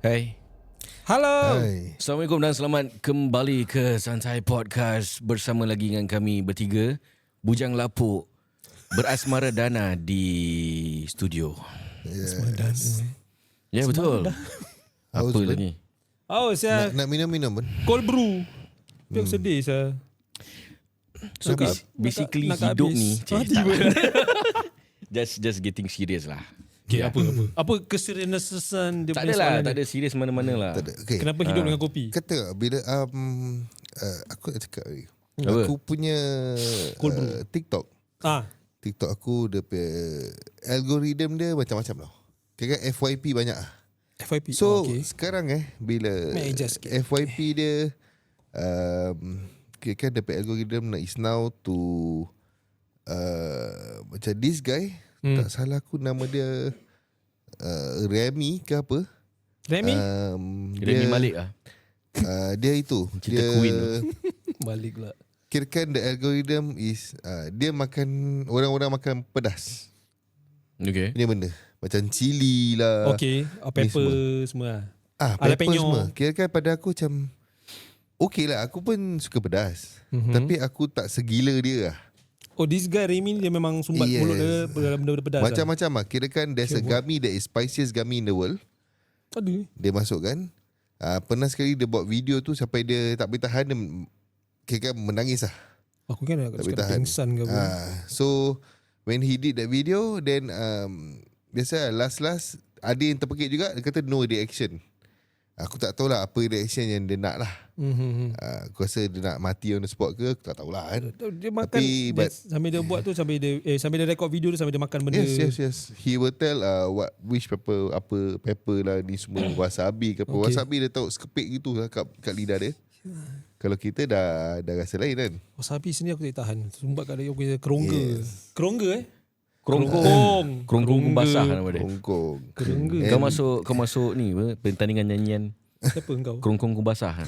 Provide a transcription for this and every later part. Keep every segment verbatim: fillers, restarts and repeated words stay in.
Hai. Halo. Hai. Assalamualaikum dan selamat kembali ke Santai Podcast. Bersama lagi dengan kami bertiga, Bujang Lapuk berasmara Dana di studio. Yes. Ya, betul. Apa Haus, lagi? Oh, saya Nak, nak minum-minum pun. cold brew. Tapi aku sedih saya. So Nak- bas- basically nak- nak hidup habis. ni Ah, cik, tiba. tak lah. just just getting serious lah. Okay, Ya. apa apa? Apa keseriusan dia Tak punya ada lah, soalan tak dia? ada serius mana-mana lah. Tak ada. Okay. Kenapa hidup dengan kopi? Kata bila um, uh, aku nak cakap lagi. Apa? Aku punya Cold brew. uh, TikTok. Ah, TikTok aku dia punya algorithm dia macam-macam tau. Kira F Y P banyak lah. F Y P. So oh, okay. sekarang eh bila May I adjust sikit? F Y P dia um, kira kan dia punya algorithm is now to uh, macam this guy Hmm. tak salah aku nama dia uh, Remy ke apa. Remy Um, Remy Malik lah. uh, dia itu Cerita dia Queen tu. balik pula. kirakan the algorithm is uh, dia makan orang-orang makan pedas. Okay. Ini benda macam cili lah. Okay, ah, ni pepper semua. lah. Ah, Ala pepper penyo. semua. Kirakan pada aku macam okey lah, aku pun suka pedas. Mhm. Tapi aku tak segila dia lah. Oh, this guy Remy dia memang sumbat Yes. mulut dia dalam benda-benda pedas. Macam-macam lah. Kirakan there's a Okay, gummy that is spiciest gummy in the world. lah. Aduh. Dia masukkan. Uh, pernah sekali dia buat video tu sampai dia tak boleh tahan. Dia kirakan menangis lah. Aku kan nak Tak boleh cakap tahan. pingsan ke apa. Uh, so when he did that video, then um, biasa lah, last-last ada yang terpekik juga. Dia kata no reaction. Aku tak tahulah apa reaction yang dia nak lah. Mhm. Uh, aku rasa dia nak mati on the spot ke, aku tak tahulah kan. Dia makan Tapi, dia, but- sambil dia buat tu sambil dia eh sambil dia record video tu sambil dia makan benda. Yes, yes, yes. He will tell uh, what which pepper, apa pepper lah ni semua, wasabi ke apa. Okay. Wasabi dia tahu sekepik gitu lah kat, kat lidah dia. Kalau kita dah dah rasa lain kan. Wasabi sini aku tak tahan. Sumbat kat dia aku punya kerongga. Kerongga eh? Kerongkong. Kerongkong basah nama dia. Hongkong. Kerongga. Kau masuk kau masuk ni apa? Pertandingan nyanyian Siapa engkau? kerongkong basah.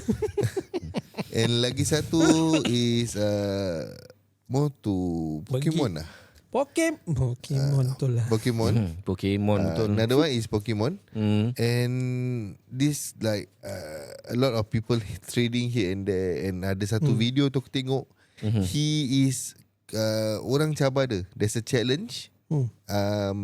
And lagi satu is uh, more to Pokemon lah. Pokemon. Pokemon tu lah. Pokemon. Hmm, Pokemon Uh, betul. another one is Pokemon. Hmm. And this like uh, a lot of people trading here and there. And ada satu Hmm. video tu aku tengok. Mhm. He is uh, orang cabar dia. There's a challenge. Hmm. Um,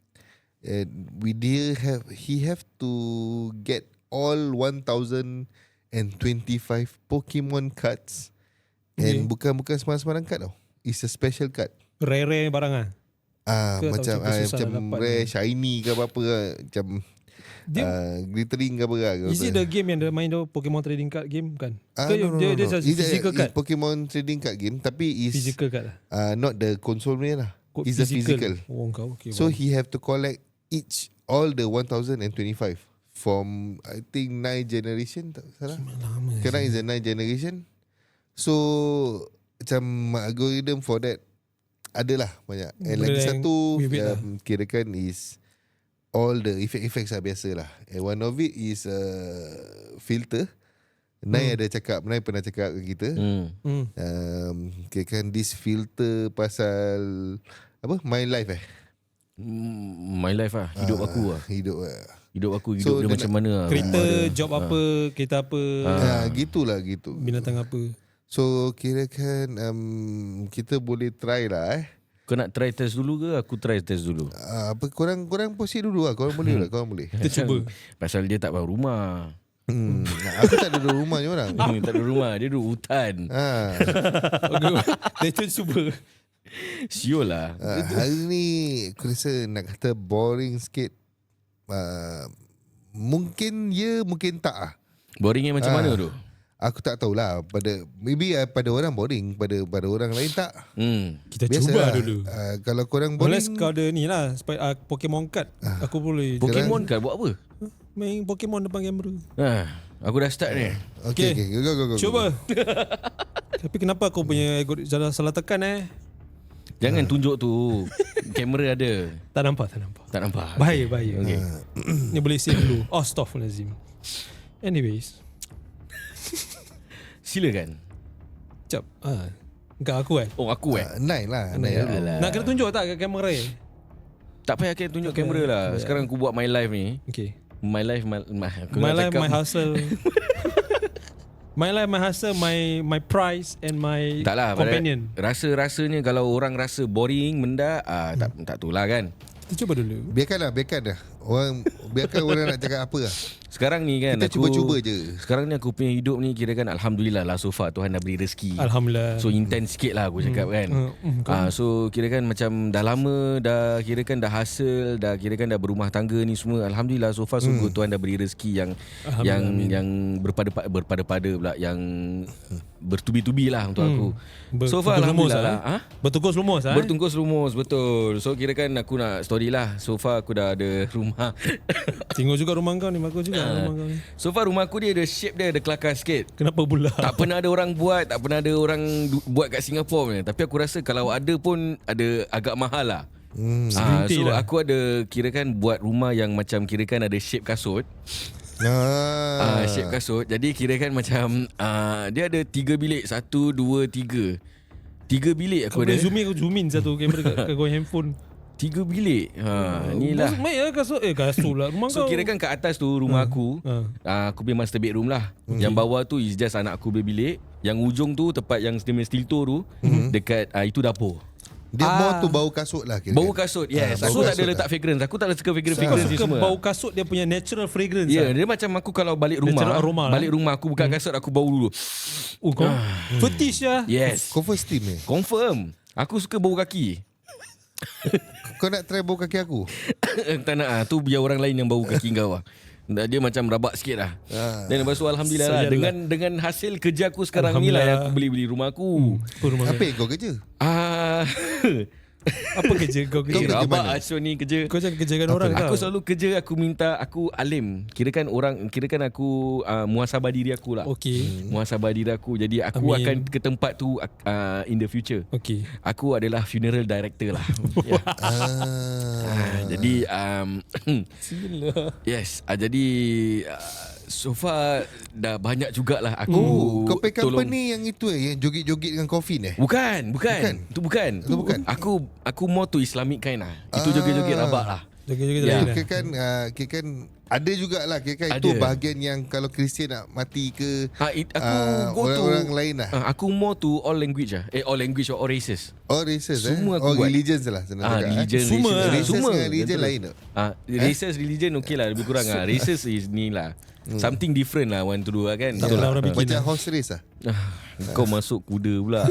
and we dia have he have to get all one thousand twenty-five Pokemon cards. Okay. And bukan bukan sembarang-sembarang card tau. It's a special card. Rare-rare barang ah. Ah Ke macam atau ah, susah macam nak dapat rare ni? shiny ke apa-apa lah. Macam Dia uh, glittering ke apa lah. is it the game yang dia main tu Pokemon trading card game kan? Ah, Ke no, no, dia no, dia no. just It's a- physical it's card. Pokemon trading card game tapi is Physical card lah. uh, not the console punya lah. Kod It's the physical. Oh kau okay. So wow. he have to collect each all the one thousand twenty-five from I think nine generation tak salah. lama. Sekarang is the nine generation. So macam algorithm for that adalah banyak. And Benda lagi yang satu weird lah. um, kirakan is all the effect-effects lah biasa lah. And one of it is uh, filter. Nai Hmm. ada cakap, Nai pernah cakap ke kita. Hmm. Hmm. Um, kirakan this filter pasal apa? My life eh. Mm, My life lah. Hidup Ah, aku lah. Hidup lah. Hidup aku, hidup So, dia dia macam nak- mana lah. Kereta, Rumah dia. job apa, kereta apa, Ah, gitulah gitu. binatang apa. So kirakan um, kita boleh try lah eh. Kau nak try test dulu ke? Aku try test dulu. Uh, apa korang korang proceed dulu lah. Korang boleh lah, korang boleh. Kita cuba. Pasal dia tak bawa rumah. Hmm. Aku tak ada duduk rumah ni orang. Tak ada rumah. Dia duduk hutan. Ha. Okay. Kita cuba. Siul lah. Uh, hari ni aku rasa nak kata boring sikit. Uh, mungkin ya, mungkin tak ah. Boringnya macam Ah. mana tu? Aku tak tahulah. Pada maybe uh, pada orang boring, pada pada orang lain tak. Hmm. Kita Biasa cuba lah. dulu. Uh, kalau korang boring, Unless kau ada ni lah Spy, uh, Pokemon card aku boleh Pokemon kan buat apa? main Pokemon depan kamera. Ha, aku dah start ni. okay, Okay. okay, go, go, go, go. Cuba. Tapi kenapa aku punya ego salah, salah tekan eh? Jangan tunjuk tu. Kamera ada. Tak nampak, tak nampak. Tak nampak. Bahaya, bahaya. Okay. Ni boleh save dulu. Astaghfirullahalazim. Anyways, Silakan. Jap. Ah. Engkau aku kan? Oh aku eh. Uh, nine lah, nine Ya dulu. Allah. Nak kena tunjuk tak kat kamera eh? Tak payah kena tunjuk Tak kamera payah. lah. Tak payah. Sekarang aku buat my live ni. Okay. My life, my, my, aku My nak life, cakap, my hustle. My life, my hustle, my my prize and my tak lah, companion. Rasa-rasanya kalau orang rasa boring, benda, ah, tak tak tu lah kan. Kita cuba dulu. Biarkanlah, biarkan dah. Orang biarkan orang nak cakap apa lah. Sekarang ni kan Kita aku cuba-cuba je. Sekarang ni aku punya hidup ni kira kan alhamdulillah lah, so far Tuhan dah beri rezeki. Alhamdulillah. So intense sikit lah aku cakap kan. Hmm, hmm, Ah, so kira kan macam dah lama dah kira kan dah hasil, dah kira kan dah berumah tangga ni semua. Alhamdulillah so far so good. Tuhan dah beri rezeki yang yang amin. yang berpada berpada-pada pula, yang bertubi-tubi lah untuk aku. Ber- So far bertungkus alhamdulillah lah, lah. eh? Bertungkus lumus ah. Bertungkus rumus, betul. So kira kan aku nak story lah. So far aku dah ada rumah. Tengok juga rumah kau ni, bagus juga rumah kau ni. So far rumah aku dia ada shape dia, ada kelakar sikit. Kenapa pula? Tak pernah ada orang buat, tak pernah ada orang du- buat kat Singapura punya. Tapi aku rasa kalau ada pun ada agak mahal lah. Hmm. Ah, so lah. aku ada kirakan buat rumah yang macam kirakan ada shape kasut. Ah. Ah, shape kasut. Jadi kirakan macam ah, dia ada tiga bilik, satu, dua, tiga. Tiga bilik Kau aku boleh ada. zoom in, kau zoom in satu kamera kat, kat kau handphone. Tiga bilik. Ha, inilah. Main lah kasut. Eh kasut lah rumah So kau. kirakan kat atas tu rumah aku, ha. uh, aku punya master bedroom lah. Yang bawah tu is just anak aku punya bilik. Yang ujung tu tempat yang steel toe tu, dekat uh, itu dapur. Dia Ah. more tu bau kasut lah kira. Bau kasut. Yes. Ah, aku bau tak ada kasut letak fragrance. Aku tak ada suka fragrance Kau fragrance ni suka semua. bau kasut dia punya natural fragrance. Ya, yeah, lah. dia macam aku kalau balik Natural rumah, aroma balik lah. rumah aku buka kasut aku bau dulu. Oh kau fetish lah. Yes. Kau first steam ni. Confirm. Aku suka bau kaki. Kau nak try bau kaki aku? Tak nak ah, tu biar orang lain yang bau kaki kau lah. Dia macam rabak sikit lah. Ah. Dan lepas tu alhamdulillah lah, Sayalah. dengan dengan hasil kerja aku sekarang ni lah yang aku beli-beli rumah aku. Oh, rumah Apa yang kau kerja? Ah, Apa kerja kau kerja? Kau kerja rabak mana? Asyon ni kerja. Kau jangan kerjakan orang Aku tau. selalu kerja, aku minta, aku alim. Kirakan orang, kirakan aku uh, muhasabah diri aku lah. Okey. Muhasabah diri aku. Jadi aku Amin. akan ke tempat tu uh, in the future. Okey. Aku adalah funeral director lah. Ya. Ah. Ah, jadi um, Sila. yes, uh, jadi uh, so far dah banyak jugalah aku Oh, kau pay tolong. company yang itu eh, yang joget-joget dengan coffin eh? Bukan, bukan. Bukan. Itu bukan. Itu bukan. Aku aku more to Islamic kind lah. Itu Ah. joget-joget rabak lah. Jaga-jaga Ya. lain lah. Kira kan, uh, kira kan ada jugalah kira kan itu Ada. bahagian yang kalau Kristian nak mati ke Ha, it, aku ah, go to orang-orang lain lah. Ah, aku more to all language lah. Eh, all language or all races. Oh races eh? Semua aku Oh buat. religions lah senang Ah, cakap, religion, eh? Semua races, lah. Races semua. dengan religion Betul. lain tak? Ah, races, religion okey lah, lebih kurang lah. Races is ni lah. Something different lah want to do lah kan. Tak Betul pernah lah. orang bikin Macam lah. horse race lah. Ah, kau masuk kuda pula.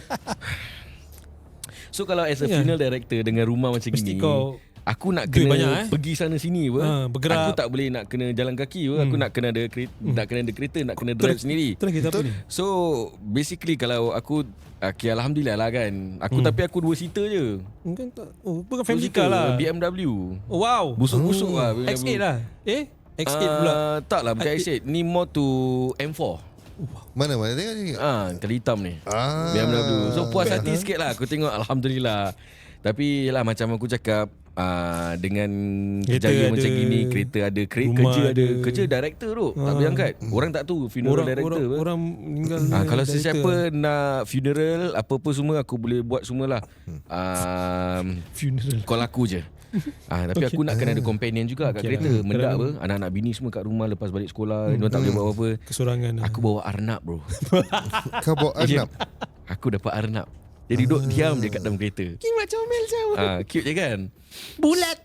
So kalau as a Ya. funeral director dengan rumah macam Mesti gini, kau aku nak duit kena banyak, eh? pergi sana sini apa. Ha, bergerak. Aku tak boleh nak kena jalan kaki apa. Aku nak kena ada kereta, nak kena ada kereta, nak kena drive sendiri. Itulah kita apa ni? So basically kalau aku okay, alhamdulillah lah kan. Aku tapi aku dua seater je. Kan tak. Oh, bukan Dua family seater, car lah. B M W. Oh, wow. Busuk-busuk lah B M W. X eight lah. Eh? X eight pula. Ah, tak lah bukan X eight. Ni more to M four. Mana mana tengok ni. Ah, kali hitam ni. Ah. B M W. So puas hati sikit lah. Aku tengok alhamdulillah. Tapi lah macam aku cakap, uh, dengan Kereta kejayaan ada, macam gini, kereta ada, kre- rumah kerja ada. ada. Kerja director tu. Tak boleh angkat. Orang tak tahu funeral Orang, director. orang, apa. orang meninggal. Ah, kalau director. sesiapa nak funeral, apa-apa semua aku boleh buat semualah. Um, Funeral. call aku je. Ah, tapi aku nak kena ada companion juga kat Okay kereta. lah. Mendak Kadang- apa, anak-anak bini semua kat rumah lepas balik sekolah, dia tak boleh buat apa-apa. Kesorangan lah. Aku bawa arnab bro. Kau bawa Ya. Arnab. Aku dapat arnab. Dia duduk diam je kat dalam kereta. King macam Mel Jawa. Ah, cute je kan? Bulat.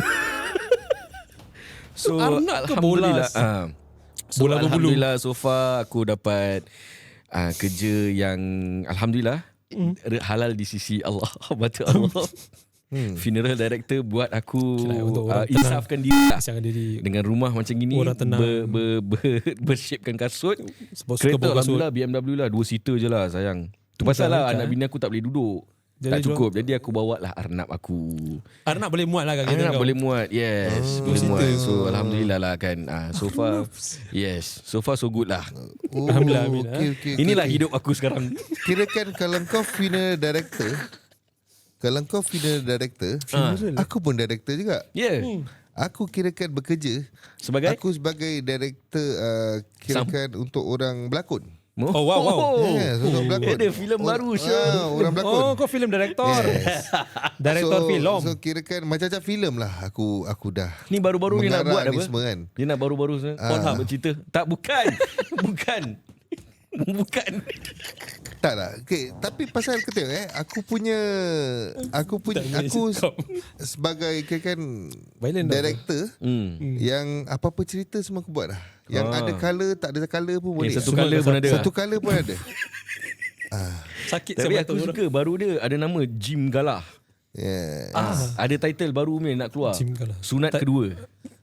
So Arnab ke alhamdulillah. bolas? Ah. So Bola berbulu. alhamdulillah so far aku dapat ah, kerja yang alhamdulillah Hmm. halal di sisi Allah. Mata Allah. Hmm. Funeral director buat aku Kira untuk uh, orang tenang. insafkan diri lah. Jangan diri. Dengan rumah macam gini, Orang tenang. ber, ber, ber, bershapekan kasut. Sebab suka Kereta bawa kasut. alhamdulillah B M W lah, dua seater je lah sayang. Tu pasal lah Bukan, anak eh? bini aku tak boleh duduk. Jadi tak jual- cukup. Jadi aku bawa lah arnab aku. Arnab boleh muat lah kat kereta Arnab kau. boleh muat. Yes, Oh, boleh dua muat. seater. So alhamdulillah lah kan. Ah, so far yes, so far so good lah. Oh, Alhamdulillah, amin, okay, okay, Inilah okay. hidup aku sekarang. Kirakan kalau kau funeral director, kalau kau funeral director, Ah. aku pun director juga. Yeah. Aku kirakan bekerja Sebagai aku sebagai director uh, kirakan untuk orang berlakon. Oh, wow, wow. Yeah, seorang pelakon. Dia ada filem baru, Syul. Ah, orang pelakon. Oh, kau film director. Yes. Director so, film. So kirakan macam-macam filem lah aku aku dah. Ni baru-baru dia nak mengarah buat ni apa? semua kan. Dia nak baru-baru Ah. Pornhub bercerita. Tak, bukan. Bukan. Bukan. Tak lah. Okay, tapi pasal kau tengok eh, aku punya aku punya Tak boleh aku stop. sebagai kirakan Violent dah. director Hmm. yang apa-apa cerita semua aku buat lah. Yang Ah. ada colour, tak ada colour pun boleh. Eh, satu Semua colour dah pun satu- ada. Satu colour pun ada. ah, Sakit Tapi saya aku batuk suka baru dia ada nama Jim Galah. yeah. Ah, ada title baru ni nak keluar. Jim Galah. Sunat Tak- kedua.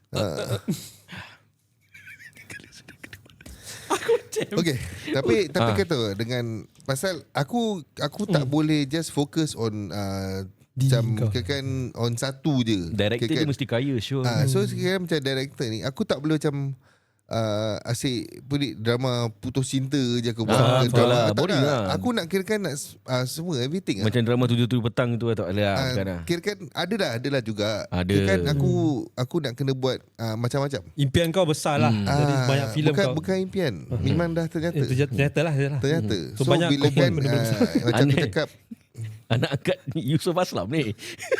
Okay, tapi tapi Ah. kata dengan pasal aku aku tak boleh just focus on uh, macam kau. kirakan on satu je. Director dia Kirakan- mesti kaya, sure. Ah, so sekarang macam director ni aku tak boleh macam uh, asyik pelik drama putus cinta je aku buat. Ah, Ke betul drama lah, tak boring nak. lah. Aku nak kirakan nak uh, semua everything lah. Macam drama tujuh tujuh petang tu atau ada Ah, bukan lah. kirakan ada lah, ada lah juga. Ada. Kirakan aku aku nak kena buat uh, macam-macam. Impian kau besar lah. Hmm. Dari Ah, banyak filem bukan, kau. bukan impian. Memang dah ternyata. Eh, ternyata, ternyata lah. Ternyata. Ternyata. So, So, banyak bila kau buat kan benda-benda besar. uh, macam aku Aneh. cakap, Anak angkat Yusof Aslam ni.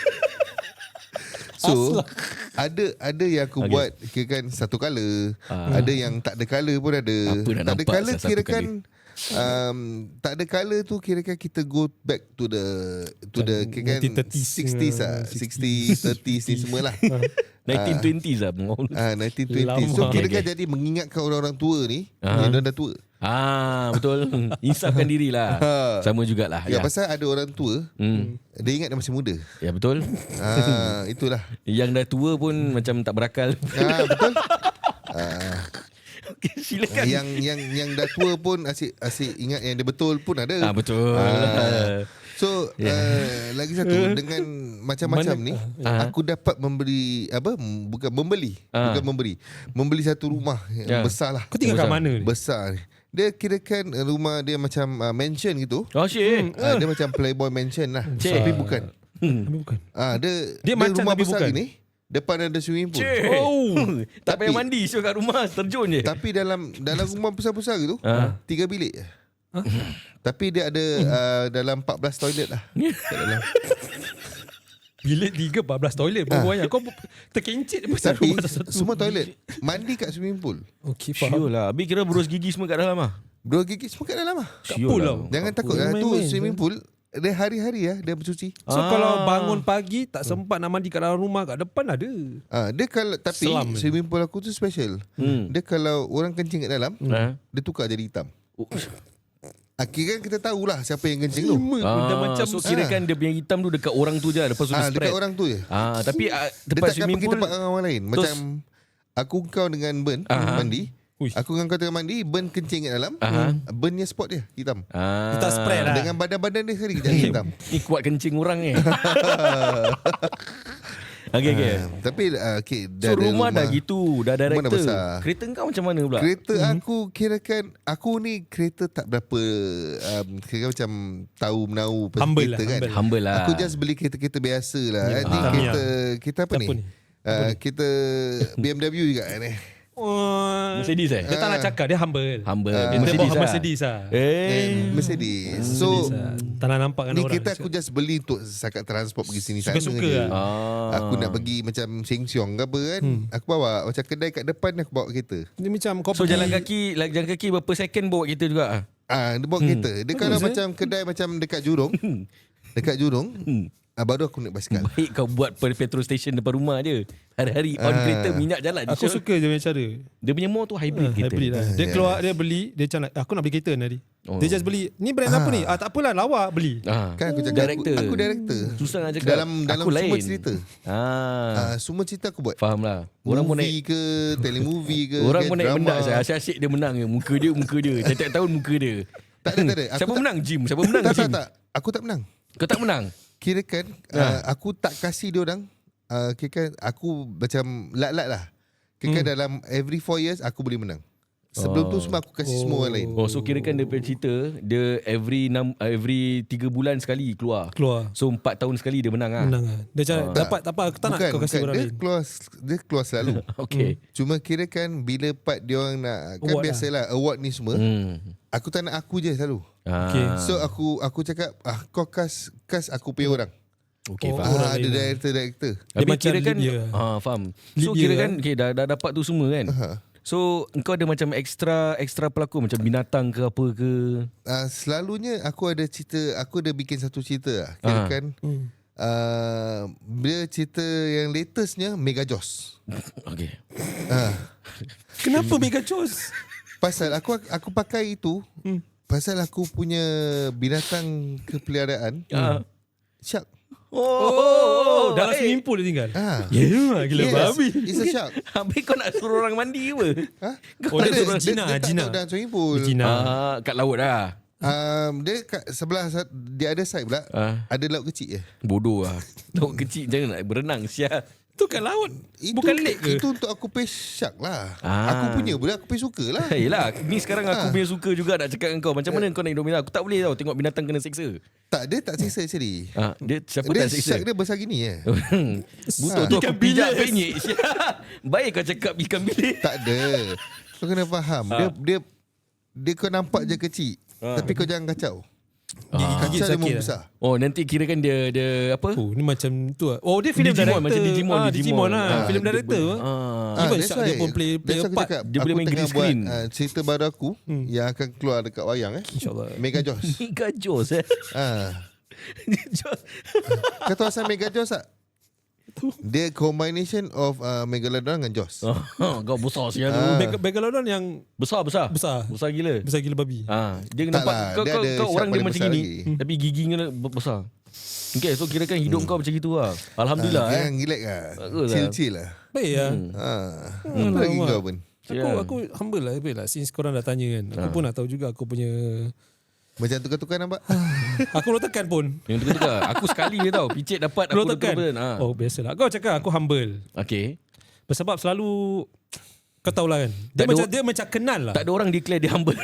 so ada ada yang aku Okay. buat kirakan satu colour, Ah. ada yang tak ada colour pun ada. Apa dah Tak ada nampak colour satu kirakan um, tak ada colour tu kirakan kita go back to the to the Macam kirakan nineteen thirties, sixties lah, uh, sixties, thirties ni semualah. nineteen twenties lah. Ah, nineteen twenties. So Lama. kirakan Okay, jadi mengingatkan orang-orang tua ni, Ah. yang dah tua. Ah, betul. Insafkan diri lah. Sama jugalah. Ya, Ya. pasal ada orang tua, Hmm. dia ingat dia masih muda. Ya, betul. Ah, itulah. Yang dah tua pun macam tak berakal. Ah, betul. Ah, Okay, silakan. yang yang yang dah tua pun asyik asyik ingat yang dia betul pun ada. Ah, betul. Ah. So uh, lagi satu dengan macam-macam Mana- ni Ah. aku dapat memberi apa m- bukan membeli Ah. bukan memberi membeli satu rumah Ya. yang besar lah. Kau tinggal kat Besar. mana ni? Besar ni. Dia kirakan rumah dia macam uh, mansion gitu. Oh, shit. Uh, dia macam Playboy mansion lah. Cik. Tapi bukan. Tapi bukan. Ah dia Dia macam rumah tapi besar bukan. gini. Depan ada swimming pool. Cik. Oh. Tak Tapi- payah mandi. So kat rumah terjun je. Tapi dalam dalam rumah besar-besar gitu, Ah. tiga bilik je. Tapi dia ada uh, dalam empat belas toilet lah. Kat dalam. Bilik tiga, empat belas toilet. Berapa banyak? Kau terkencit pasal Tapi rumah satu. semua toilet. Mandi kat swimming pool. Okey, faham. Sure lah. Habis kira berus gigi semua kat dalam lah. Dua gigi semua kat dalam lah. Kat pool lah. Jangan takut lah. Tu Main-main. swimming pool. Dia hari-hari lah dia bercuci. So Ah. kalau bangun pagi tak sempat nak mandi kat dalam rumah, kat depan ada. Ah, dia kalau tapi Selam. swimming pool aku tu special. Hmm. Dia kalau orang kencing kat dalam, Ah. dia tukar jadi hitam. Oh. Akhirnya kita tahulah siapa yang kencing tu. Lima pun dah Ah, macam so kira kan dia punya hitam tu dekat orang tu je. Lepas tu dia Ah, spread. dekat orang tu je. Ah, tapi ah, Dia tempat takkan swimming pergi pool. tempat orang lain. Macam aku kau dengan Ben Aha. mandi. Ui. Aku dengan kau tengah mandi, Ben kencing kat dalam. Aha. Bennya spot dia hitam. Ah. Dia tak spread lah. Dengan badan-badan dia sekali jadi hitam. Ni kuat kencing orang ni. Okay, okay. Ah, tapi uh, okay, So dah ada rumah, dah gitu. Dah Rumah dah director. besar. Kereta kau macam mana pula? Kereta aku kirakan aku ni kereta tak berapa um, kira macam tahu menahu pasal Humble kereta lah, kan. humble. Humble lah. Aku just beli kereta-kereta biasa lah. Ya. Ni Ah. kereta kita apa Apa ni? ni? Uh, kita B M W juga ni. Oh, Mercedes eh? dia tak nak cakap, dia humble. Humble. Ah. Dia Mercedes bawa lah. Mercedes lah. Eh. And Mercedes. So Mercedes lah. Tak nak nampak kan ni orang. kereta aku just beli untuk sakat transport pergi sini sana Suka-suka je. lah. Ah. Aku nak pergi macam Sheng Siong ke apa kan. Aku bawa macam kedai kat depan ni aku bawa kereta. Dia macam kau So pergi, jalan kaki, like, jalan kaki berapa second bawa kereta juga? ah? Ah, dia bawa kereta. Dia kalau Bagus, eh? macam kedai macam dekat Jurong. Dekat Jurong. Ah, baru aku naik basikal. Baik kau buat pe- petrol station depan rumah je. Hari-hari on Ah. kereta minyak jalan. Aku Syul. suka dia punya cara. Dia punya more tu hybrid Ah, kereta. hybrid lah. Dia yes. keluar, dia beli, dia macam nak, aku nak beli kereta ni hari. Oh. Dia just beli, ni brand apa ni? Ah, tak apalah, lawa beli. Ah. Kan aku cakap Director. Aku, aku director. Susah nak cakap. Dalam dalam Aku semua lain. cerita. Ah. Ah, semua cerita aku buat. Faham lah. Orang pun naik movie ke, telemovie ke, Orang ke, pun naik drama. menang saya. Asyik-asyik dia menang je. Muka dia, muka dia. Setiap tahun muka dia. Tak ada, tak ada. Aku Siapa tak- menang? Jim. Siapa menang? Tak, tak, Jim. tak. Aku tak menang. Kau tak menang? Kirakan Ha. uh, aku tak kasih dia orang. Uh, kirakan aku macam lat-lat lah. Kirakan Hmm. dalam every four years aku boleh menang. Sebelum Oh. tu semua aku kasih semua orang lain. Oh, so kirakan dia punya cerita, dia every enam, every tiga bulan sekali keluar. Keluar. So empat tahun sekali dia menang ah. Menang lah. Dia macam, Ah. dapat, tak apa, aku tak nak Bukan, kau kasih bukan. orang Dia lain. keluar dia keluar selalu. Okay. Cuma kirakan bila part dia orang nak kan Award biasalah award ni semua. Hmm. Aku tak nak aku je selalu. Ah. Okay. So aku aku cakap ah kau cast cast aku punya orang. Okay, Oh, faham. orang Ah, ada lain. director-director. Dia Habis macam kira kan Libya. ah, faham. So Libya, kira eh? kan okay, dah, dah dapat tu semua kan. Ha. So engkau ada macam extra extra pelakon macam binatang ke apa ke. Uh, selalunya aku ada cerita, aku ada bikin satu cerita lah. Kira Ah. kan Hmm. uh, dia cerita yang latestnya Mega Joss. Okay. Uh, Kenapa Mega Joss? pasal aku aku pakai itu Hmm. pasal aku punya binatang kepeliharaan Ah. shark. Oh, oh, dalam eh. swimming pool dia tinggal. Ah. Yeah, gila Yes, babi. it's a shark. Habis kau nak suruh orang mandi ke? Ha? Oh, dia Ada, suruh Gina, dia, dia Gina. tak tahu dalam swimming pool. Gina. Ah, kat laut dah. Um, dia kat sebelah dia ada side pula. Ah. Ada laut kecil je. Bodoh lah. Laut kecil jangan nak berenang sial. Tu kat laut. Itu, Bukan lake ke? Itu untuk aku pay shark lah. Ah. Aku punya pula aku pay suka lah. Yelah, ni sekarang aku Ah. punya suka juga nak cakap dengan kau. Macam mana kau nak hidup binatang? Aku tak boleh tau tengok binatang kena seksa. Tak, dia tak siksa actually. Ah, dia siapa Dia tak seksa? shark dia besar gini je. Butuh tu aku pijak penyek. Baik kau cakap ikan bilis. Tak ada. Kau kena faham. Dia dia dia kau nampak je kecil. Ah. Tapi kau jangan kacau. Gigit Kacau dia sakit memang lah. besar. Oh, nanti kira kan dia dia apa? Oh, ni macam tu lah. Oh, dia film Digimon, director. macam Digimon, ah, Digimon. Digimon lah. Ah, Film dia director. ber- Ah. Ah. Even that's shark dia why- pun play- play that's why a aku part. cakap, Dia boleh aku main tengah green buat screen. uh, cerita baru aku Hmm. yang akan keluar dekat wayang eh. InsyaAllah. Mega Joss. Mega Joss eh. Ah. Joss. Kau tahu asal Mega Joss tak? Dia combination of uh, Megalodon dengan Joss. Oh, kau besar sial tu. Ah. Meg- Megalodon yang Besar besar. Besar. Besar gila. besar gila babi. Ah, dia Tak nampak lah, kau dia kau, ada kau shark orang dia paling macam besar gini lagi. tapi giginya be- besar. Okay, so kira kan hidup kau macam gitu lah. Alhamdulillah Ah, eh. Jangan relax lah. Bagus lah. Chill-chill lah. Baik lah. Ah. Hmm, Apa lagi alamak. kau pun? Aku Ya. aku humble lah, baik lah. Since korang dah tanya kan. Aku pun nak tahu juga aku punya. Macam tukar-tukar nampak? Aku belum tekan pun. Yang tu tukar. Aku sekali je tau. Picit dapat aku Belum dah tekan. tukar ha. Oh, biasalah. Kau cakap aku humble. Okay. Sebab selalu kau tahulah kan. Dia Tak ada macam o- dia macam kenal lah. Tak ada orang declare dia humble.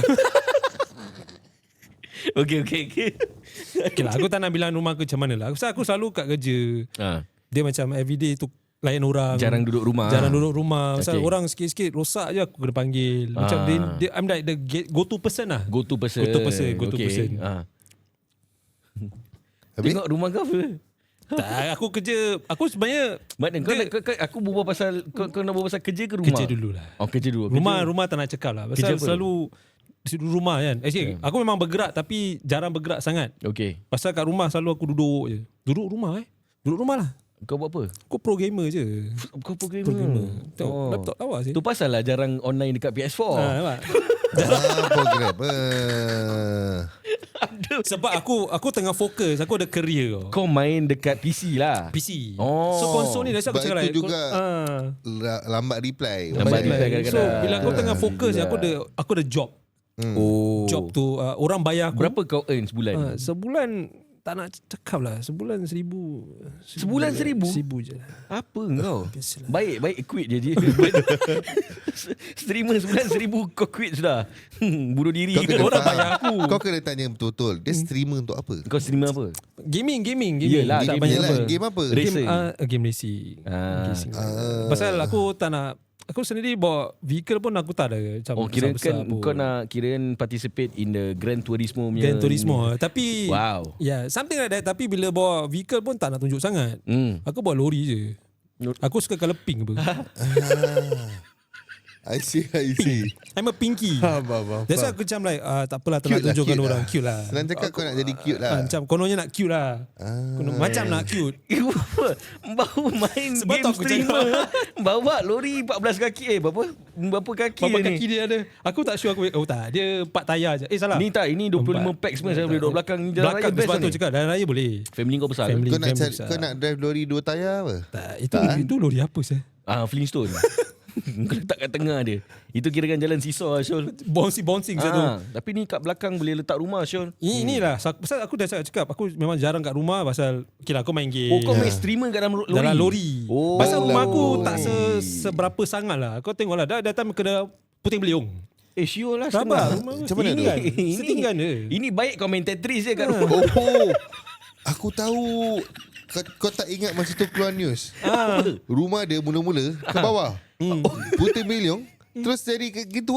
Okay, okay, okay. Okay lah, aku tak nak bilang rumah aku macam mana lah. Aku, aku selalu kat kerja. Ha. Dia macam everyday tu layan orang. Jarang duduk rumah. Jarang duduk rumah. Pasal Okay. orang sikit-sikit rosak je aku kena panggil. Macam Ah. dia, dia I'm like the get- go-to person lah. Go to person. Go to person, go to okay. person. Ha. Habis? Tengok rumah kau apa? Tak, aku kerja. Aku sebenarnya Mana kau, nak, kau, kau aku berbual pasal kau, kau nak berbual pasal kerja ke rumah? kerja dulu lah. Oh, kerja dulu. Rumah Kerja. rumah tak nak cakap lah. Kerja Pasal apa? selalu di rumah kan. Actually, aku memang bergerak tapi jarang bergerak sangat. Okay. Pasal kat rumah selalu aku duduk je. Duduk rumah eh. Duduk rumah lah. Kau buat apa? Aku pro gamer je. Kau programmer. Programmer. Tengok Oh. laptop lawa sih. Tu pasal lah jarang online dekat P S four. Ha, nampak? Ah, programmer. Sebab aku aku tengah fokus. Aku ada career kau. Kau main dekat P C lah. P C. Oh. So konsol ni dah aku Sebab cakap itu like, juga ah. La- lambat reply. Lambat Like, reply kadang-kadang. So bila aku tengah Ah, fokus juga. aku ada aku ada job. Oh. Job tu uh, orang bayar aku. Berapa kau earn sebulan? Ah, sebulan tak nak cakap lah. Sebulan seribu. Sebulan seribu? Seribu je. Apa kau? Biasalah. Baik, baik quit je dia. Streamer sebulan seribu kau quit sudah. Hmm, bunuh diri. Kau kena Orang faham. bayar aku. Kau kena tanya betul-betul. Dia streamer untuk apa? Kau streamer apa? Gaming, gaming, gaming. Yelah, tak game banyak Yelah, apa. game apa? Race. Game, Racing. uh, game racing. Ah. Racing. Ah. Pasal aku tak nak. Aku sendiri bawa vehicle pun aku tak ada. Macam Oh, kira kan besar-besar pun. kau nak kira participate in the Gran Turismo punya. Gran Turismo. Tapi Wow. ya, yeah, something like that. Tapi bila bawa vehicle pun tak nak tunjuk sangat. Hmm. Aku bawa lori je. Aku suka colour pink apa. I see, I see. I'm a pinky. Faham, faham, faham. That's why aku macam like uh, tak apalah tak nak Cute lah, tunjukkan cute orang lah. cute lah. Senang cakap kau nak jadi cute lah. Ah, macam kononnya nak cute lah. Ah. Kono, macam nak cute. Baru main Sebab tu game aku streamer. Bawa lori empat belas kaki. Eh, berapa? Berapa kaki Berapa dia kaki ni? dia ada? Aku tak sure aku. Oh tak, dia empat tayar je. Eh salah. Ni tak, ini dua puluh lima pack semua saya boleh duduk belakang. Ni jalan raya Belakang best sebab lah tu ni. cakap dalam raya boleh. Family kau besar. Family. Kau nak cari, besar. kau nak drive lori dua tayar apa? Tak, itu itu lori apa sih? Ah, Flintstone. Kau letak kat tengah dia. Itu kira kan jalan seesaw lah, Syul. Bouncing bouncing satu. Ah, tapi ni kat belakang boleh letak rumah, Syul. Ini inilah sa- pasal aku dah cakap aku memang jarang kat rumah pasal okeylah aku main game. Oh, kau main streamer kat dalam lori? dalam lori. Oh. Pasal rumah aku lori. tak se, seberapa sangat lah. Kau tengoklah dah datang kena puting beliung. Eh, Syul lah. Sabar. setengah. Rumah Macam mana tu? setinggan. Ini- Setinggan dia. Ini baik kau main Tetris je kat rumah. Oh, aku tahu. Kau, kau tak ingat masa tu keluar news. Ah. Rumah dia mula-mula ke bawah. Putih milion. Terus jadi ke- gitu lah.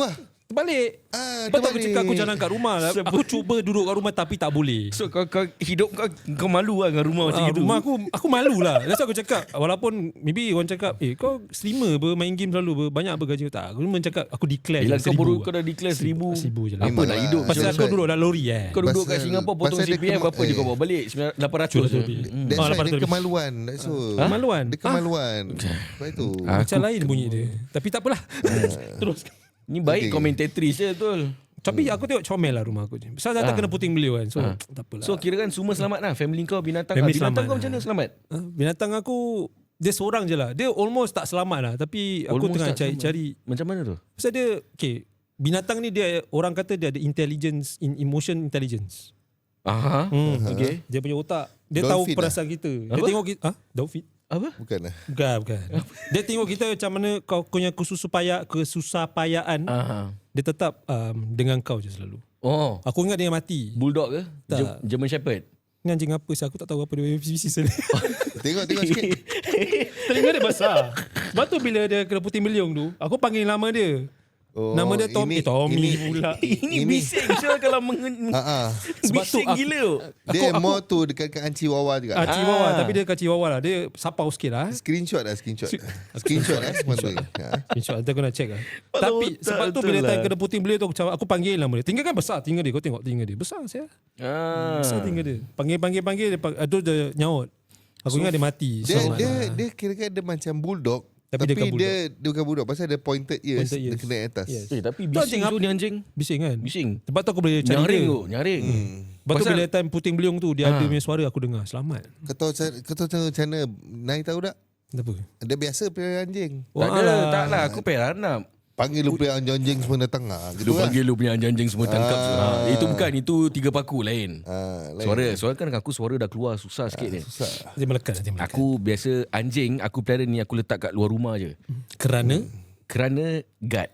Terbalik. Ah, Betul aku terbalik. cakap aku jalan kat rumah. Aku cuba duduk kat rumah tapi tak boleh. So kau, kau hidup kau kau malu lah dengan rumah macam Ah, itu. rumah aku aku malu lah. That's why aku cakap walaupun maybe orang cakap eh kau streamer ber main game selalu ber banyak apa gaji kau tak. Aku memang cakap aku declare Yelah, je kau seribu baru lah. kau dah declare seribu. Seribu je lah. Apa Memang nak lah. hidup? Pasal That's aku why- duduk dalam lori eh. Kau duduk kat Pasal- Singapura potong pasal C dia P F kema- apa je kau eh. bawa balik lapan ratus je. lebih. That's Ah, why lapan dia ratus. kemaluan. That's all. Kemaluan. Dia kemaluan. Sebab itu. Ah. Macam lain bunyi dia. Tapi tak apalah. Terus. Ni baik Okay. komentatrice je betul. Tapi aku tengok comel lah rumah aku je. Pasal datang Ah. kena puting beliau kan. So tak apalah. So kira kan semua selamat lah. Family kau, binatang Family kau. Binatang selamat kau macam mana lah. selamat? Ah, binatang aku dia seorang je lah. Dia almost tak selamat lah. Tapi aku Almost tengah tak cari, selamat. cari. Macam mana tu? Pasal dia okay, binatang ni dia orang kata dia ada intelligence in emotion intelligence. Aha. Hmm. Okay. Dia punya otak dia Dolphin tahu lah. perasaan kita. Dia Apa? tengok kita ah Dolphin. Apa? Bukan lah. Bukan, bukan. Dia tengok kita macam mana kau punya kesusupaya kesusahpayaan. Aha. Dia tetap um, dengan kau je selalu. Oh, Aku ingat dia mati. bulldog ke? Tak. Ge- German Shepherd. Ni anjing apa sih? Aku tak tahu apa dia bisnes ni. Tengok, tengok sikit. Telinga dia besar. Sebab tu bila dia kena puting beliung tu, aku panggil nama dia. Oh, Nama dia Tom, ini- eh, Tommy ini- pula. Ini, Ini- bising Syul kalau mengen... Ah, ah. Sebab tu bising aku- gila tu. Dia Aku- more tu dekat-dekat Anci Wawa juga. Ah, Chihuahua. Ah. Tapi dia kat Chihuahua lah. Dia sapau sikit lah. Screenshot lah, screenshot. Screenshot lah semua tu. Ha. Insya nanti aku nak check lah. Kepala Tapi otak sebab tu betul bila lah. time kena puting beliau tu aku, cakap- aku panggil nama dia. Tinggal kan besar tinggal dia. Kau tengok tinggal dia. Besar saya. Ah. Besar tinggal dia. Panggil-panggil-panggil. Dia, pang- tu dia nyaut. Aku ingat dia mati. Dia Selamat dia lah. dia kira-kira dia macam bulldog. Tapi Tapi, dia bukan dia, dia bukan bulldog. Pasal dia pointed ears. Pointed Dia ears. kena atas. Yes. Eh, tapi Tu bising anjing tu apa? ni anjing. Bising kan? Bising. Sebab tu aku boleh cari Nyaring dia. tu, nyaring. Hmm. Sebab tu Pasal- bila time puting beliung tu dia Ha. ada punya suara aku dengar. Selamat. Kau tahu cara, kau tahu cara macam mana Nai tahu tak? Kenapa? Dia biasa pelihara anjing. Tak ada, Walah. tak lah. Aku pelihara anak. Panggil lu pelihara anjing semua datang. Ha, Dia gitu lah. panggil lu punya anjing semua tangkap. Ah. Ha, itu bukan, itu tiga paku lain. Ha, lain. Suara, suara kan aku suara dah keluar susah sikit ni. Susah. Dia melekat. Dia melekat. Aku biasa anjing, aku pelihara ni aku letak kat luar rumah je. Kerana Kerana guard.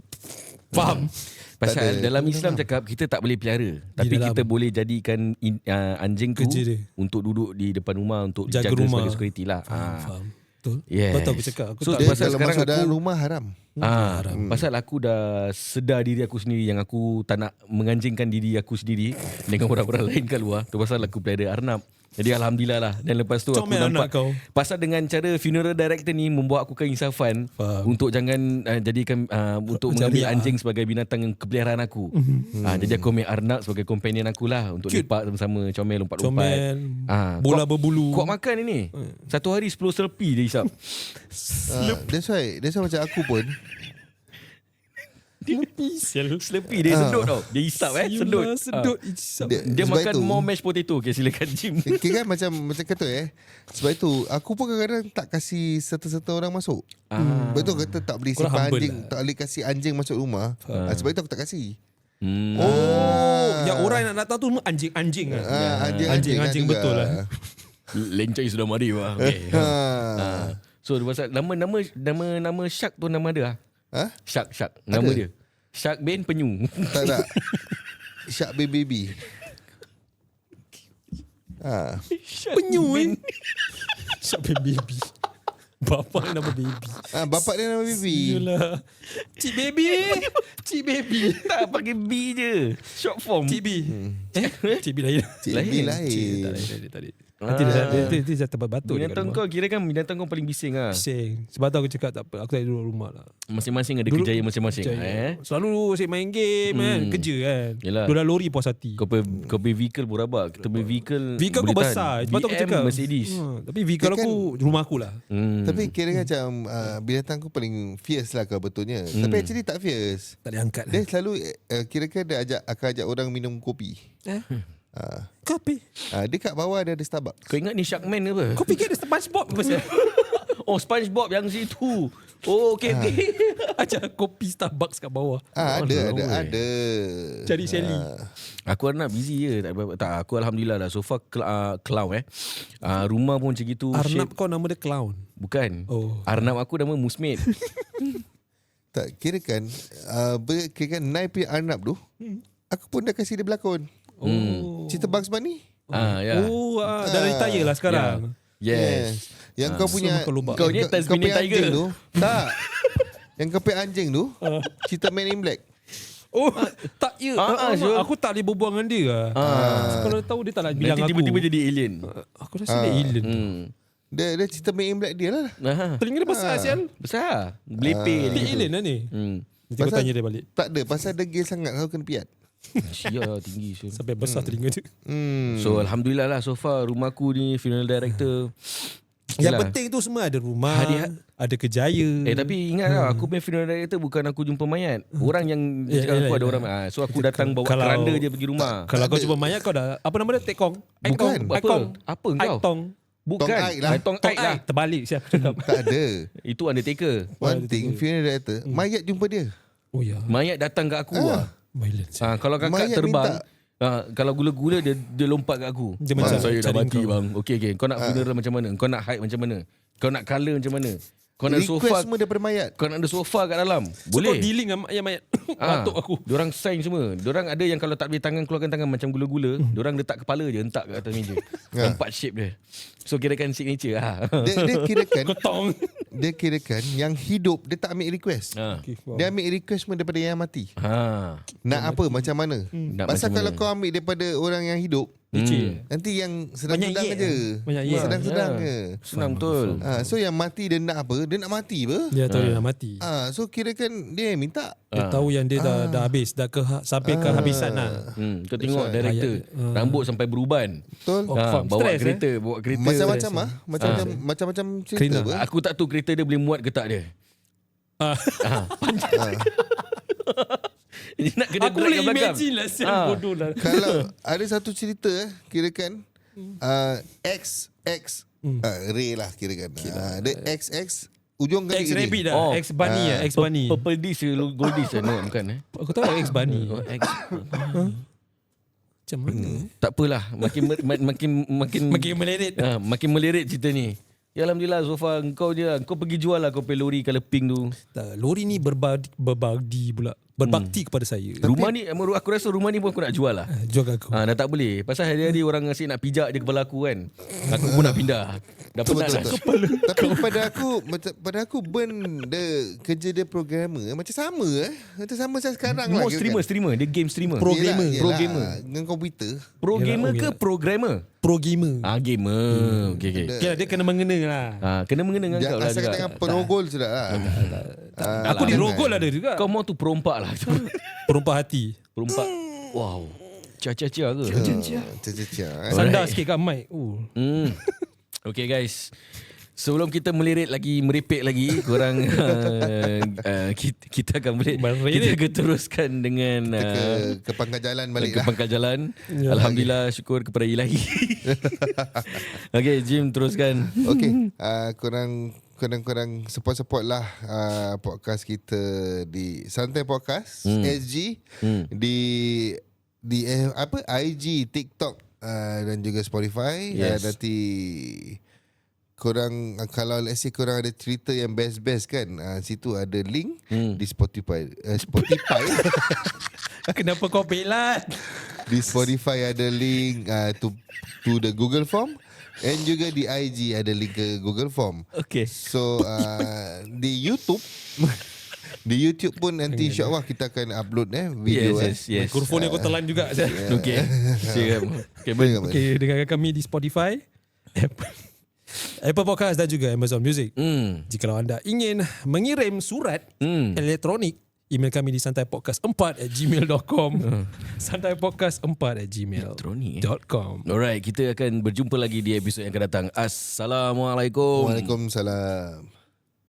faham. Pasal ada. dalam Islam cakap kita tak boleh pelihara, tapi dalam. kita boleh jadikan in, uh, anjing tu Kerja dia. untuk duduk di depan rumah untuk Jaga jaga, rumah. sebagai security lah. Faham. Ah. Faham. Betul. Yes. Betul aku cakap. Aku So, tak Dia pasal kalau sekarang masuk dalam aku- rumah haram. Ah, pasal aku dah sedar diri aku sendiri yang aku tak nak menganjingkan diri aku sendiri dengan orang-orang lain kat luar. Tu pasal aku pelihara arnab. Jadi alhamdulillah lah. Dan lepas tu Comel aku nampak anak kau. pasal dengan cara funeral director ni membuat aku keinsafan Faham. untuk jangan uh, jadikan uh, untuk Jariah. mengambil anjing sebagai binatang yang kepeliharaan aku. Mhm. Ah, jadi aku ambil arnab sebagai companion aku lah untuk Cute. lepak sama-sama, comel lompat-lompat. comel. Ah, Bola kuat- berbulu. Kuat makan ini. Satu hari sepuluh selfie dia hisap. Ha, that's why. That's why macam aku pun. Selfie dia sedut tau. Dia hisap eh, sedut. Siulah, sedut. Ah. Isap. Dia, Dia sebab makan itu, more mashed potato. Okay, silakan Jim. Kira kan macam macam kata eh. Sebab itu aku pun kadang-kadang tak kasih serta-serta orang masuk. Ah. Betul kata tak boleh Korang simpan humble anjing, lah. tak boleh kasih anjing masuk rumah. Ah, sebab itu aku tak kasih. Hmm. Oh, yang orang yang nak datang tu semua anjing-anjing kan. Ah, anjing, Anjing, anjing juga. betul lah. Lencai sudah mari wah. Okay. Ha. Ah. So dia pasal nama nama nama nama Shark tu nama dia ah. Ha? Shark Shark nama Ada? dia. Shark bin penyu. Tak tak. Shark baby baby. Ha. Penyu eh. Siapa baby? Bapa nama baby. Ah, bapak dia nama baby. Yalah. Cik baby. Cik baby. Tak pakai B je. Short form. Cik B. Eh? Cik B lain. Cik Lain. B Cik lain. tak lain, tak lain, tak lain. Nanti dia dia dia, dia jatuh batuk dekat Binatang rumah. kau kira kan binatang kau paling bising ah. Bising. Sebab tu aku cakap tak apa. Aku tak duduk rumah lah. Masing-masing ada Dulu- kejayaan masing-masing Macam, eh. Selalu asyik main game kan. Hmm. Kerja kan. Yelah. Duduk dalam lori puas hati. Kau punya kau punya vehicle pun rabak. Kita punya vehicle Vehicle aku boleh tahan. besar. Sebab tu aku B M, cakap. Mercedes. Ha, tapi vehicle Dia aku rumah aku lah. Hmm. Tapi kira kan macam uh, binatang aku paling fierce lah kau betulnya. Hmm. Tapi actually tak fierce. Tak diangkat Dia lah. selalu uh, kira-kira dia ajak akan ajak orang minum kopi. Eh? Uh, Kopi. uh, dia kat bawah dia ada Starbucks. Kau ingat ni Sharkman ke apa? Kau fikir ada SpongeBob apa pasal? Oh, SpongeBob yang situ. Oh, okey okey. Ajak kopi Starbucks kat bawah. Ah, ada Oh, ada no way. ada. Cari Sally. Aku nak busy je. Tak, tak aku alhamdulillah dah. So far cl- uh, clown eh. Uh, rumah pun macam gitu. Arnab shape. kau nama dia clown. Bukan. Oh. Arnab aku nama Musmid. Tak kira kan uh, ber, kira kan Nai punya Arnab tu. Aku pun dah kasih dia berlakon. Oh. Cerita Bugs Bunny. Ah, ya. Oh, ah, dah retire lah sekarang. Yes. Yang kau punya so makan lubak. Kau ni punya Tasmanian anjing Tiger. tu. Tak. Yang kau punya anjing tu. Ah. Cerita Man in Black. Oh, tak ya. Ah, Ah, ah, ah, Syul. aku tak boleh berbual dengan dia lah. Ah. So, kalau tahu dia tak nak bilang Nanti aku. tiba-tiba jadi alien. Aku rasa dia alien. Hmm. Dia, dia cerita main in black dia lah. Nah, Telinga dia besar sial. besar. Belepeh Dia dia. alien lah ni. Hmm. Nanti kau Pasal- tanya dia balik. Tak ada, pasal degil sangat kau kena piat. Sia tinggi so. Sampai besar telinga dia. Hmm. So alhamdulillah lah so far rumahku ni funeral director. Yang Yelah. penting tu semua ada rumah, Hadiah. ada kerjaya. Eh tapi ingat lah aku punya funeral director bukan aku jumpa mayat. Orang yang Ya, cakap yelah, aku ada yelah. orang ah, so aku datang bawa Kalau- keranda je pergi rumah. Kalau kau jumpa mayat kau dah apa nama dia? Tekong. Bukan. Apa? Aikong. Apa engkau? Aiktong. Bukan. Tong Aik lah. Ah, Tong Tong Aik lah. Aik. Terbalik siapa cakap. Tak ada. Itu undertaker. One thing, funeral director, Hmm. mayat jumpa dia. Oh ya. Mayat datang kat aku lah. Violence. Ah, kalau kakak Mayat terbang, minta. ah, kalau gula-gula dia dia lompat kat aku. Dia Ah, macam saya dah cari mati kau. bang. Okey okey. Kau nak funeral macam mana? Kau nak hide macam mana? Kau nak colour macam mana? Kau nak Request sofa semua daripada mayat. Kau nak ada sofa kat dalam. So, kau Boleh. dealing dengan mayat-mayat. Ah, Batuk aku. Diorang sign semua. Diorang ada yang kalau tak boleh tangan keluarkan tangan macam gula-gula, Hmm. diorang letak kepala je hentak kat atas meja. Empat shape dia. So kirakan signature lah. Dia, dia kirakan Kotong. dia kirakan yang hidup dia tak ambil request. ha. Okay, wow. Dia ambil request semua daripada yang mati. Ha. Nak apa macam mana? Nak Pasal macam kalau mana? kau ambil daripada orang yang hidup, Hmm. nanti yang sedang-sedang Banyak aja. ye. Banyak ye. Sedang-sedang Ya. je. Senang betul. Ha, so yang mati dia nak apa? Dia nak mati apa? Dia tahu dia nak mati. Ah, so kirakan dia yang minta. Dia tahu yang dia dah dah habis, dah ke sampai ke habisan lah. Hmm. Kau tengok why. director, Ayat- rambut sampai beruban. Betul? Oh, Ha, faham. bawa Stress, kereta, bawa kereta. Macam-macam ah, macam-macam macam-macam cerita Kerana- apa? Aku tak tahu kereta dia boleh muat ke tak dia. Ah. Ha, panjang. Dia nak kena Aku gerak boleh kat belakang. imagine lah sial Ah. bodoh lah. Kalau ada satu cerita eh, kirakan uh, X X uh, Ray lah kirakan. Uh, dia X X ujung kali X rabbit dah, Oh. X bunny Ah. lah, X bunny. Purple dish ke gold dish ke? No, bukan eh. Aku tahu X bunny. Oh, X. Macam mana? Tak apalah, makin mer- ma- makin makin Makin melirit. ha, makin melirit cerita ni. Ya alhamdulillah so far kau je lah. Kau pergi jual lah kau punya lori colour pink tu. Tak, lori ni berbakti, berbakti pula. Berbakti kepada saya. Rumah ni aku rasa rumah ni pun aku nak jual lah. Ah, Jual aku. Ha, dah tak boleh. Pasal hari-hari orang asyik nak pijak je kepala aku kan. Aku pun nak pindah. Dah penat dah. Betul. Tapi pada aku macam pada aku Ben dia kerja dia programmer macam sama eh. Macam sama saya sekarang lah. More kirakan. streamer, streamer. Dia game streamer. Pro Yelah, gamer. yelah, Pro gamer. dengan komputer. Pro Yelah, gamer oh, ke yelah. programmer? Pro gamer. Ah, gamer. Okey okey. Okay, dia kena mengena lah. Ha, kena mengena dengan kau Jangan lah asal juga. dengan perogol sudah lah. Aku di rogol ada juga. Kau mau tu perompak lah. Perompak hati. Perompak. Wow. Cia-cia-cia ke? Cia-cia. Sandar sikit kat mic. Oh. Hmm. Okay guys. Sebelum kita melirit lagi, merepek lagi, korang uh, uh, kita, kita akan boleh kita akan teruskan dengan Ke, uh, ke pangkal jalan balik ke lah. pangkal jalan. Ya. Alhamdulillah, syukur kepada Ilahi. Okay, Jim teruskan. Okay, uh, korang korang-korang support-support lah uh, podcast kita di Santai Podcast Hmm. S G Hmm. di di eh, apa I G, TikTok uh, dan juga Spotify. Yes. Uh, nanti korang uh, kalau let's say korang ada cerita yang best-best kan, uh, situ ada link Hmm. di Spotify. Uh, Spotify Kenapa kau pelat? di Spotify ada link uh, to to the Google Form. And juga di I G ada link ke Google Form. Okay. So uh, di YouTube di YouTube pun nanti insyaAllah kita akan upload eh video Yes, yes, eh. yes. Mikrofon ni aku telan juga. Okay. Siap. Okay, Boleh, Ben. boleh. Okay, dengarkan kami di Spotify, Apple, Apple Podcast dan juga Amazon Music. Hmm. Jika anda ingin mengirim surat Hmm. elektronik, email kami di santaipodcast empat at gmail dot com. santaipodcast empat at gmail Elektronik, eh? dot com. Alright, kita akan berjumpa lagi di episod yang akan datang. Assalamualaikum. Waalaikumsalam.